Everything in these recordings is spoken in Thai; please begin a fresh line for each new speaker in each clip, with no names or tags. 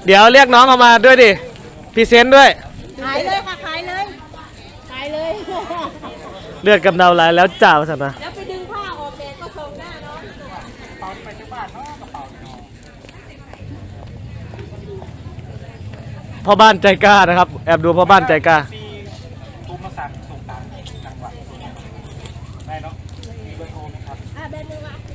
เดี๋ยวเรียกน้องเอามาด้วยดิพรีเซนต์ด้วย
ขายเลยค่ะขายเลยขายเลย
เลือดกำเดาไหลแล้วจ่าสันนะ
แล้วไปดึงผ้าออกแดดก็ส่งหน้าเนาะ
ตอนไปที่บ้านเนาะกระเป๋า
พ่อบ้านใจกล้านะครับแอบดูพ่อบ้านใจกล้า
ตุ้มมาสั่งส่งตามจังหวัดได้เนาะมีเบอร์โทรไหมครับ
เบอร์นึงอ่ะ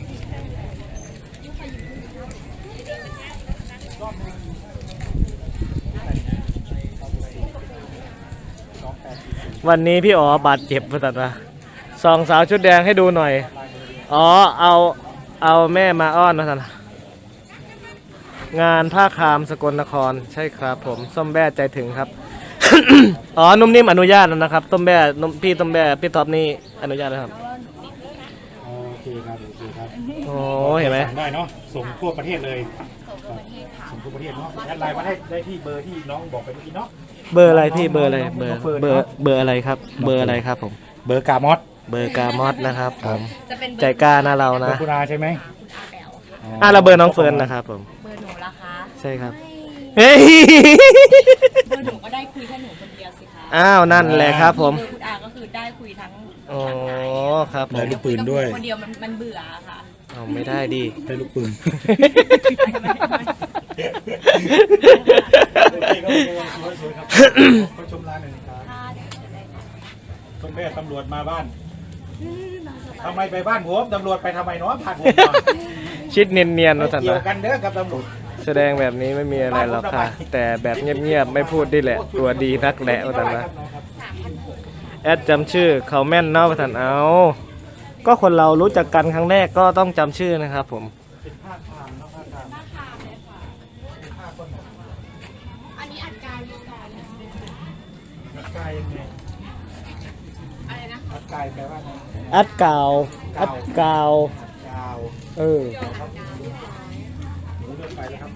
วันนี้พี่อ๋อบาดเจ็บมาตัดมาสองสาวชุดแดงให้ดูหน่อยอ๋อเอาแม่มาอ้อนมาตัดงานผ้าคามสกลนครใช่ครับผมส้มแบ่ใจถึงครับ อ๋อนุ่มนิ่มอนุญาตแล้วนะครับต้มแบ่พี่ต้มแบ่พี่ท็อปนี่อนุญาตนะครับ
โอเคครับโอเคครับ
โอ้เห็นไหม
ได้เนาะส่งทั่วประเทศเลยส่งทั่วประเทศเนาะแอดไลน์มาได้ที่เบอร์ที่น้องบอกไปเมื่อกี้เนาะ
เบอร์อะไรพี่เบอร์อะไรเบอร์อะไรครับเบอร์อะไรครับผม
เบอร์กามอส
เบอร์กามอสนะครับผมใจกล้านะเรานะ
คุณอาใช่ไหม
เราเบอร์น้องเฟิร์นนะครับผม
เบอร์หนูล่ะคะ
ใช่ครับเฮ้ย
เบอร์หนูก็ได้คุยแค่หนูคนเดียวสิคะ
อ้าวนั่นแหละครับผม
เบอร์คุณอาก็คือได้คุยทั้ง
โอ้ครับ
ได้ลูกปืนด้วย
คนเดียวมันเบื่อค่ะ
เอาไม่ได้ดิ
ได้ลูกปืนเขาชมร้านหนึ่งครับต้นแม่ตำรวจมาบ้านทำไมไปบ้านผมตำรวจไปทำไมเนาะผ่านผม
ชิดเนียนๆนะท่าน
เกี่ย
นะ
วกันเด้อกับตำรวจ
แสดงแบบนี้ไม่มีอะไรหรอกค่ะแต่แบบเงียบๆไม่พูดดิแหละตัวดีนักแหละท่านนะแอดจำชื่อเขาแม่นเนาะท่านเอาก็คนเรารู้จักกันครั้งแรกก็ต้องจำชื่อนะครับผม
อันนี้อัดการอยู่ก่อน
อัดกายยังไง
อะไรนะ
อัดกายแปลว่าไง
อัดกาว
หมูเลือกไปแล้วครับ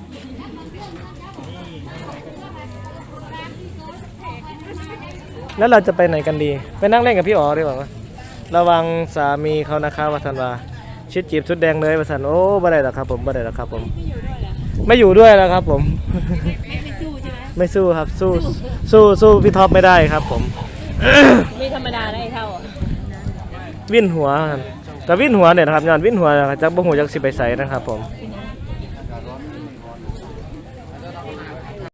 แล้วเราจะไปไหนกันดีไปนั่งเล่นกับพี่อ๋อดีกว่าระวังสามีเขานะคะวัฒนวาชิดจีบชุดแดงเลยวัฒนโอ้บ่ได้หรอกครับผมบ่ได้หรอกครับผมไม่อยู่ด้วยแล้วครับผมไม่สู้ครับสู้พี่ท็อปไม่ได้ครับผม
ไม่ธรรมดาได้เท่า
วิ่นหัวแต่วิ่นหัวเนี่ยนะครับย้อนวิ่นหัวจากบ่หูจากสิไปใส่นะครับผม